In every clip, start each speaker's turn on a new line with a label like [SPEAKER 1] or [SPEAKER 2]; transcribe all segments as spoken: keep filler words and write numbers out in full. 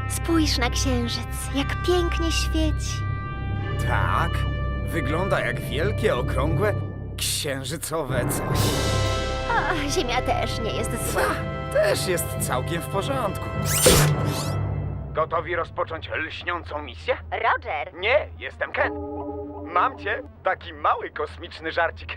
[SPEAKER 1] Spójrz na księżyc, jak pięknie świeci.
[SPEAKER 2] Tak, wygląda jak wielkie, okrągłe, księżycowe coś.
[SPEAKER 1] O, Ziemia też nie jest zła.
[SPEAKER 2] Też jest całkiem w porządku. Gotowi rozpocząć lśniącą misję?
[SPEAKER 1] Roger,
[SPEAKER 2] Nie, jestem Ken. Mam cię, taki mały kosmiczny żarcik.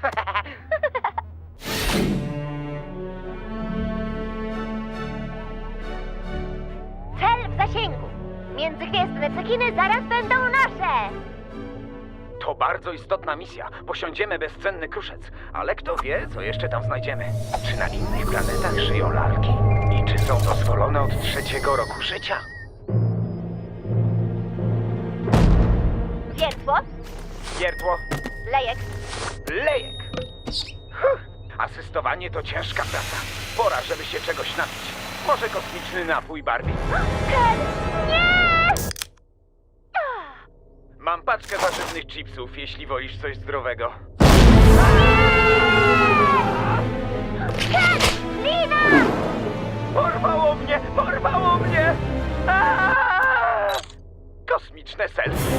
[SPEAKER 1] cel w zasięgu. Międzygwiezdne cekiny zaraz będą nasze.
[SPEAKER 2] To bardzo istotna misja. Posiądziemy bezcenny kruszec. Ale kto wie, co jeszcze tam znajdziemy. Czy na innych planetach żyją lalki? I czy są dozwolone od trzeciego roku życia?
[SPEAKER 1] Wiertło,
[SPEAKER 2] Wiertło,
[SPEAKER 1] lejek.
[SPEAKER 2] lejek. Huh. Asystowanie to ciężka praca. Pora, żeby się czegoś napić. Może kosmiczny napój Barbie?
[SPEAKER 1] Ken, nie!
[SPEAKER 2] Mam paczkę warzywnych chipsów, jeśli wolisz coś zdrowego.
[SPEAKER 1] Ken, lina!
[SPEAKER 2] Porwało mnie! Porwało mnie! Aaaa! Kosmiczne selfie.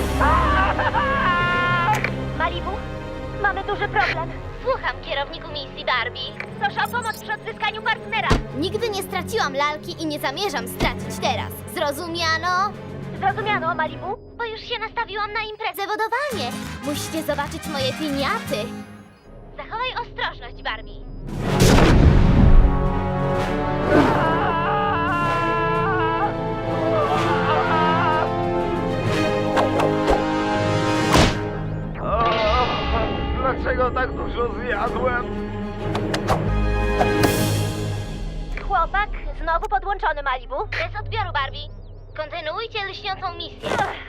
[SPEAKER 1] Malibu, mamy duży problem. Słucham, kierowniku misji Barbie. Proszę o pomoc przy odzyskaniu partnera.
[SPEAKER 3] Nigdy nie straciłam lalki i nie zamierzam stracić teraz. Zrozumiano?
[SPEAKER 1] Zrozumiano, Malibu? Bo już się nastawiłam na imprezę.
[SPEAKER 3] Zawodowanie! Musicie zobaczyć moje piniaty.
[SPEAKER 1] Zachowaj ostrożność, Barbie.
[SPEAKER 2] O, dlaczego tak dużo zjadłem?
[SPEAKER 1] Chłopak znowu podłączony, Malibu. Bez odbioru, Barbie. Kontynuujcie lśniącą misję.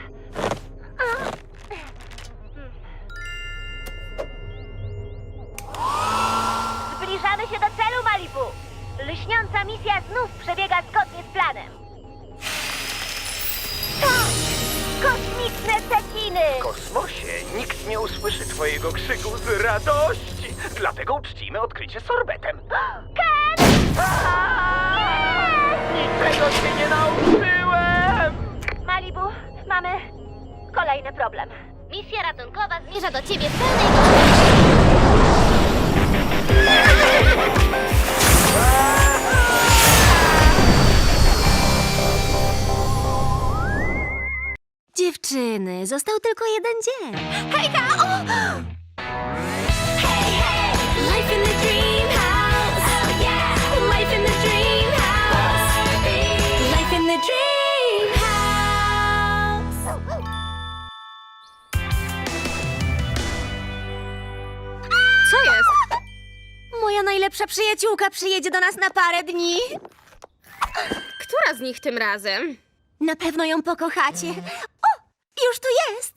[SPEAKER 1] Zbliżamy się do celu, Malibu. Lśniąca misja znów przebiega zgodnie z planem. Tak! Kosmiczne cekiny!
[SPEAKER 2] W kosmosie nikt nie usłyszy twojego krzyku z radości. Dlatego uczcimy odkrycie sorbetem.
[SPEAKER 1] Ken!
[SPEAKER 2] Niczego się nie nauczyłem!
[SPEAKER 1] Malibu, mamy kolejny problem.
[SPEAKER 3] Misja ratunkowa zmierza do ciebie w pełnej gotowości.
[SPEAKER 1] Dziewczyny, został tylko jeden dzień.
[SPEAKER 3] Hejka! O! Life in the dream house. Oh yeah. Life in the dream house. Life in the dream house.
[SPEAKER 1] Co jest? Moja najlepsza przyjaciółka przyjedzie do nas na parę dni.
[SPEAKER 4] Która z nich tym razem?
[SPEAKER 1] Na pewno ją pokochacie. O, już tu jest.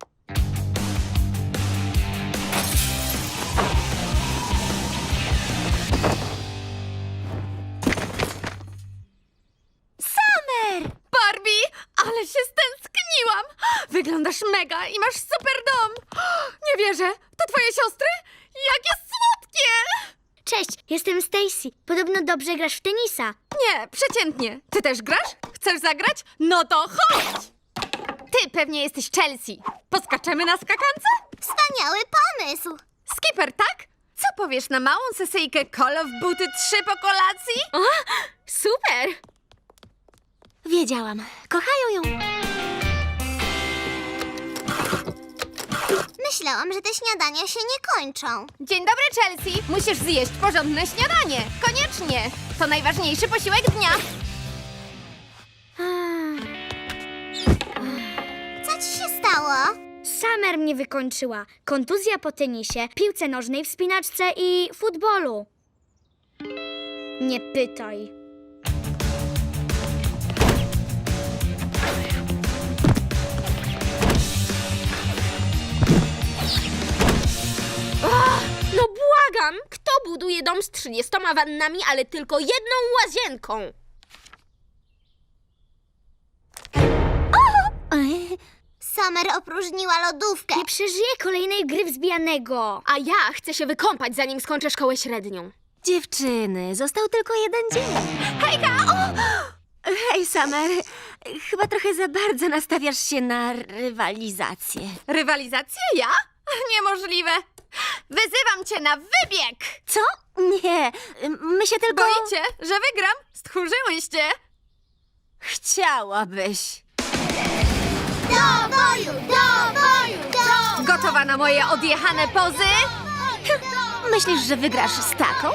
[SPEAKER 1] Summer!
[SPEAKER 4] Barbie, ale się stęskniłam! Wyglądasz mega i masz super dom! Nie wierzę, to twoje siostry? Jakie słodkie!
[SPEAKER 3] Cześć, jestem Stacy. Podobno dobrze grasz w tenisa.
[SPEAKER 4] Nie, przeciętnie. Ty też grasz? Chcesz zagrać? No to chodź! Ty pewnie jesteś Chelsea. Poskaczemy na skakance?
[SPEAKER 3] Wspaniały pomysł.
[SPEAKER 4] Skipper, tak? Co powiesz na małą sesyjkę Call of Buty trzy po kolacji? O, super!
[SPEAKER 1] Wiedziałam. Kochają ją.
[SPEAKER 3] Myślałam, że te śniadania się nie kończą.
[SPEAKER 4] Dzień dobry, Chelsea. Musisz zjeść porządne śniadanie. Koniecznie. To najważniejszy posiłek dnia.
[SPEAKER 3] Co ci się stało? Summer mnie wykończyła. Kontuzja po tenisie, piłce nożnej, wspinaczce i futbolu. Nie pytaj.
[SPEAKER 4] No błagam! Kto buduje dom z trzydziestoma wannami, ale tylko jedną łazienką?
[SPEAKER 3] Summer opróżniła lodówkę. Nie przeżyje kolejnej gry wzbijanego.
[SPEAKER 4] A ja chcę się wykąpać, zanim skończę szkołę średnią.
[SPEAKER 1] Dziewczyny, został tylko jeden dzień.
[SPEAKER 4] Hejka! O!
[SPEAKER 1] Hej, Summer.
[SPEAKER 5] Chyba trochę za bardzo nastawiasz się na rywalizację.
[SPEAKER 4] Rywalizację? Ja? Niemożliwe. Wyzywam cię na wybieg!
[SPEAKER 5] Co? Nie, my się tylko...
[SPEAKER 4] Boicie, że wygram? Stchórzyłyście.
[SPEAKER 5] Chciałabyś.
[SPEAKER 1] Do boju, do boju, do
[SPEAKER 4] Gotowa na moje odjechane pozy?
[SPEAKER 5] Myślisz, że wygrasz z taką?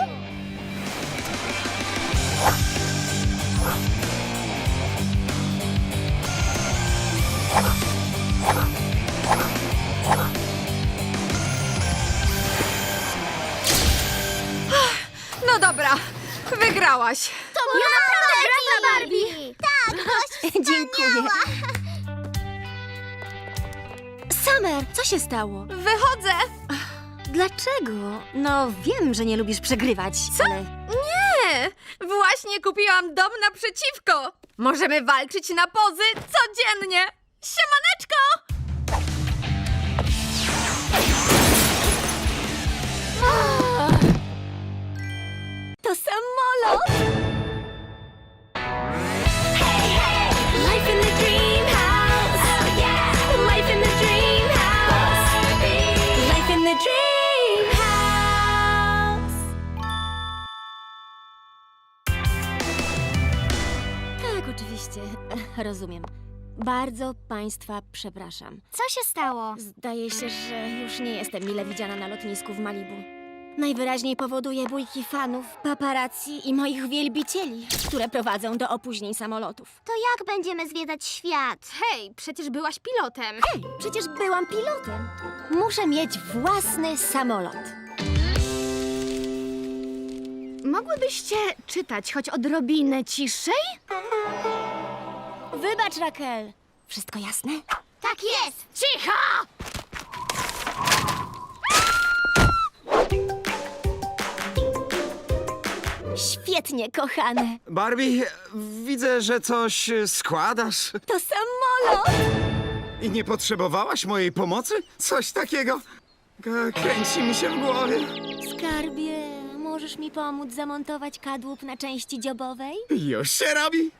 [SPEAKER 4] No dobra, wygrałaś.
[SPEAKER 1] To była naprawdę Barbie! Tak,
[SPEAKER 5] Dziękuję. Summer, co się stało?
[SPEAKER 4] Wychodzę.
[SPEAKER 5] Dlaczego? No, wiem, że nie lubisz przegrywać,
[SPEAKER 4] Co?
[SPEAKER 5] ale...
[SPEAKER 4] Nie, właśnie kupiłam dom naprzeciwko. Możemy walczyć na pozy codziennie. Siemaneczko!
[SPEAKER 5] To samolot!
[SPEAKER 1] Life in the dream house. Oh yeah. Life in the dream house. Life in the dream house.
[SPEAKER 5] Tak, oczywiście. Rozumiem. Bardzo państwa przepraszam.
[SPEAKER 3] Co się stało?
[SPEAKER 5] Zdaje się, że już nie jestem mile widziana na lotnisku w Malibu. Najwyraźniej powoduje bójki fanów, paparazzi i moich wielbicieli, które prowadzą do opóźnień samolotów.
[SPEAKER 1] To jak będziemy zwiedzać świat?
[SPEAKER 4] Hej, przecież byłaś pilotem.
[SPEAKER 5] Hej, przecież byłam pilotem. Muszę mieć własny samolot.
[SPEAKER 4] Mogłybyście czytać choć odrobinę ciszej?
[SPEAKER 5] Wybacz, Raquel. Wszystko jasne?
[SPEAKER 1] Tak jest!
[SPEAKER 4] Cicho!
[SPEAKER 5] Świetnie, kochane.
[SPEAKER 6] Barbie, widzę, że coś składasz.
[SPEAKER 5] To samolot!
[SPEAKER 6] I nie potrzebowałaś mojej pomocy? Coś takiego? K- Kręci mi się w głowie.
[SPEAKER 5] Skarbie, możesz mi pomóc zamontować kadłub na części dziobowej?
[SPEAKER 6] Już się robi.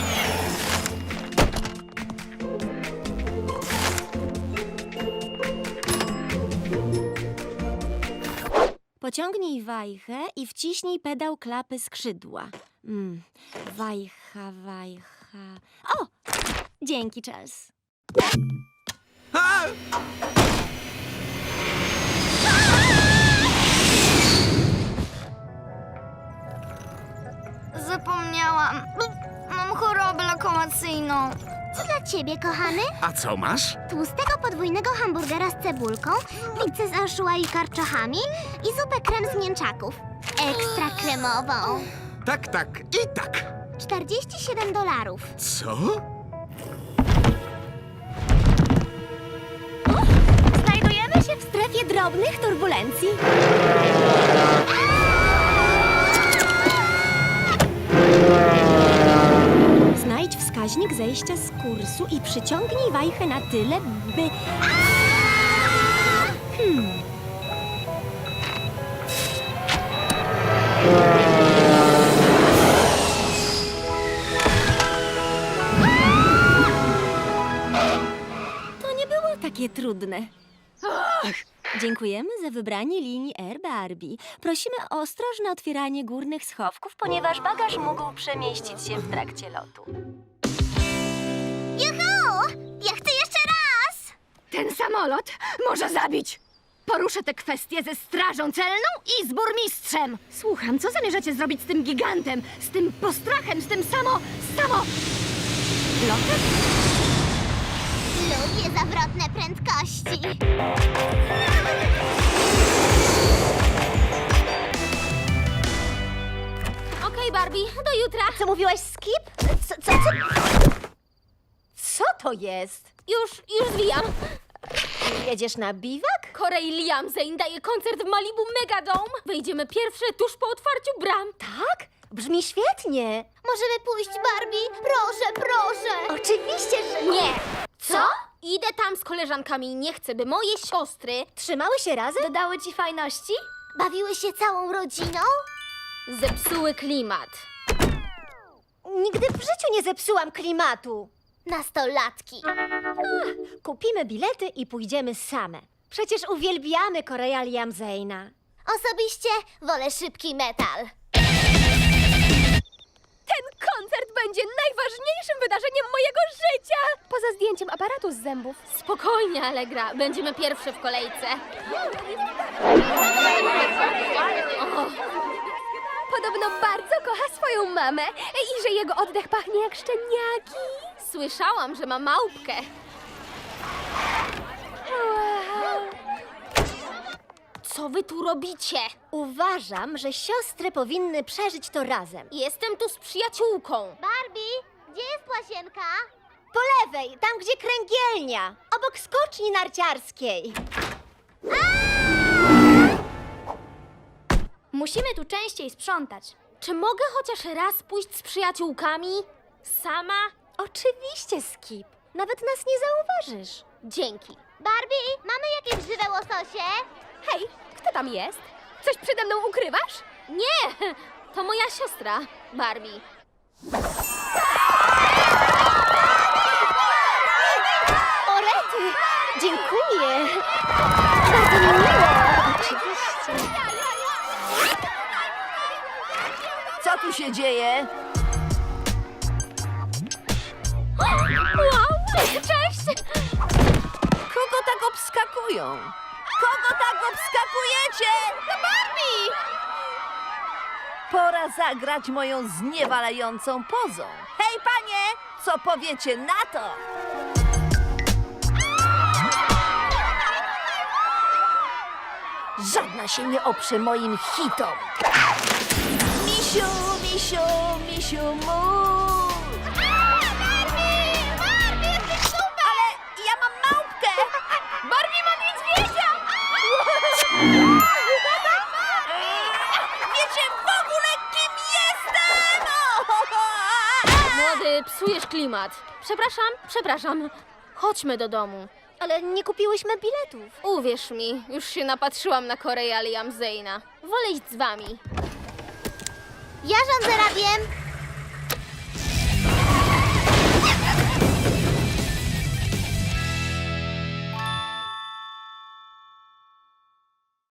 [SPEAKER 5] Pociągnij wajchę i wciśnij pedał klapy skrzydła. Mm, wajcha, wajcha... O! Dzięki, Charles.
[SPEAKER 6] A!
[SPEAKER 3] Zapomniałam. Mam chorobę lokomocyjną.
[SPEAKER 1] Co dla ciebie, kochany?
[SPEAKER 6] A co masz?
[SPEAKER 1] Tłustego podwójnego hamburgera z cebulką, pizzę z anchois i karczochami i zupę krem z mięczaków. Ekstra kremową.
[SPEAKER 6] Tak, tak i tak.
[SPEAKER 1] czterdzieści siedem dolarów.
[SPEAKER 6] Co?
[SPEAKER 5] Znajdujemy się w strefie drobnych turbulencji. Znajdź wskaźnik zejścia z kursu i przyciągnij wajchę na tyle, by... Hmm. To nie było takie trudne. Dziękujemy za wybranie linii Air Barbie. Prosimy o ostrożne otwieranie górnych schowków, ponieważ bagaż mógł przemieścić się w trakcie lotu.
[SPEAKER 1] Juhu! Ja chcę jeszcze raz!
[SPEAKER 4] Ten samolot może zabić. Poruszę tę kwestię ze strażą celną i z burmistrzem. Słucham, co zamierzacie zrobić z tym gigantem? Z tym postrachem, z tym samo... samo... lotem?
[SPEAKER 1] Lubię zawrotne prędkości.
[SPEAKER 3] Okej, Barbie, do jutra.
[SPEAKER 5] Co mówiłaś, Skip? Co, co, co? Co to jest?
[SPEAKER 3] Już, już zwijam.
[SPEAKER 5] Jedziesz na biwak?
[SPEAKER 3] Corey Liam Zane daje koncert w Malibu Megadome. Wejdziemy pierwsze tuż po otwarciu bram.
[SPEAKER 5] Tak? Brzmi świetnie.
[SPEAKER 1] Możemy pójść, Barbie? Proszę, proszę.
[SPEAKER 5] Oczywiście, że...
[SPEAKER 3] Nie. Co? Idę tam z koleżankami i nie chcę, by moje siostry
[SPEAKER 5] Trzymały się razem?
[SPEAKER 3] dodały ci fajności?
[SPEAKER 1] Bawiły się całą rodziną?
[SPEAKER 3] Zepsuły klimat.
[SPEAKER 5] Nigdy w życiu nie zepsułam klimatu.
[SPEAKER 7] Nastolatki.
[SPEAKER 5] Kupimy bilety i pójdziemy same. Przecież uwielbiamy Korea Liam Zayna.
[SPEAKER 7] Osobiście wolę szybki metal.
[SPEAKER 4] Ten koncert będzie najważniejszym wydarzeniem mojego życia! Poza zdjęciem aparatu z zębów. Spokojnie, Allegra. Będziemy pierwsze w kolejce. O, podobno bardzo kocha swoją mamę i że jego oddech pachnie jak szczeniaki. Słyszałam, że ma małpkę. Co wy tu robicie?
[SPEAKER 5] Uważam, że siostry powinny przeżyć to razem.
[SPEAKER 4] Jestem tu z przyjaciółką.
[SPEAKER 7] Barbie, gdzie jest łasienka?
[SPEAKER 5] Po lewej, tam gdzie kręgielnia, obok skoczni narciarskiej.
[SPEAKER 3] Musimy tu częściej sprzątać.
[SPEAKER 4] Czy mogę chociaż raz pójść z przyjaciółkami? Sama?
[SPEAKER 5] Oczywiście, Skip. Nawet nas nie zauważysz.
[SPEAKER 4] Dzięki.
[SPEAKER 7] Barbie, mamy jakieś żywe łososie?
[SPEAKER 4] Hej, kto tam jest? Coś przede mną ukrywasz? Nie, to moja siostra, Barbie.
[SPEAKER 5] O rety! Dziękuję. Bardzo mi miło. Oczywiście.
[SPEAKER 8] Co tu się dzieje?
[SPEAKER 4] Wow, cześć!
[SPEAKER 8] Kogo tak obskakują? Kogo tak obskakujecie?
[SPEAKER 4] To Barbie!
[SPEAKER 8] Pora zagrać moją zniewalającą pozą. Hej, panie! Co powiecie na to? Żadna się nie oprze moim hitom. Misiu, misiu, misiu, mu. Ale ja mam małpkę!
[SPEAKER 4] Barbie ma niedźwiedzia!
[SPEAKER 8] Wiecie w ogóle, kim jestem?
[SPEAKER 4] Młody, psujesz klimat. Przepraszam, przepraszam. Chodźmy do domu.
[SPEAKER 5] Ale nie kupiłyśmy biletów.
[SPEAKER 4] Uwierz mi, już się napatrzyłam na Korea Liam Zayna. Wolę iść z wami.
[SPEAKER 7] Ja rządzę radiem.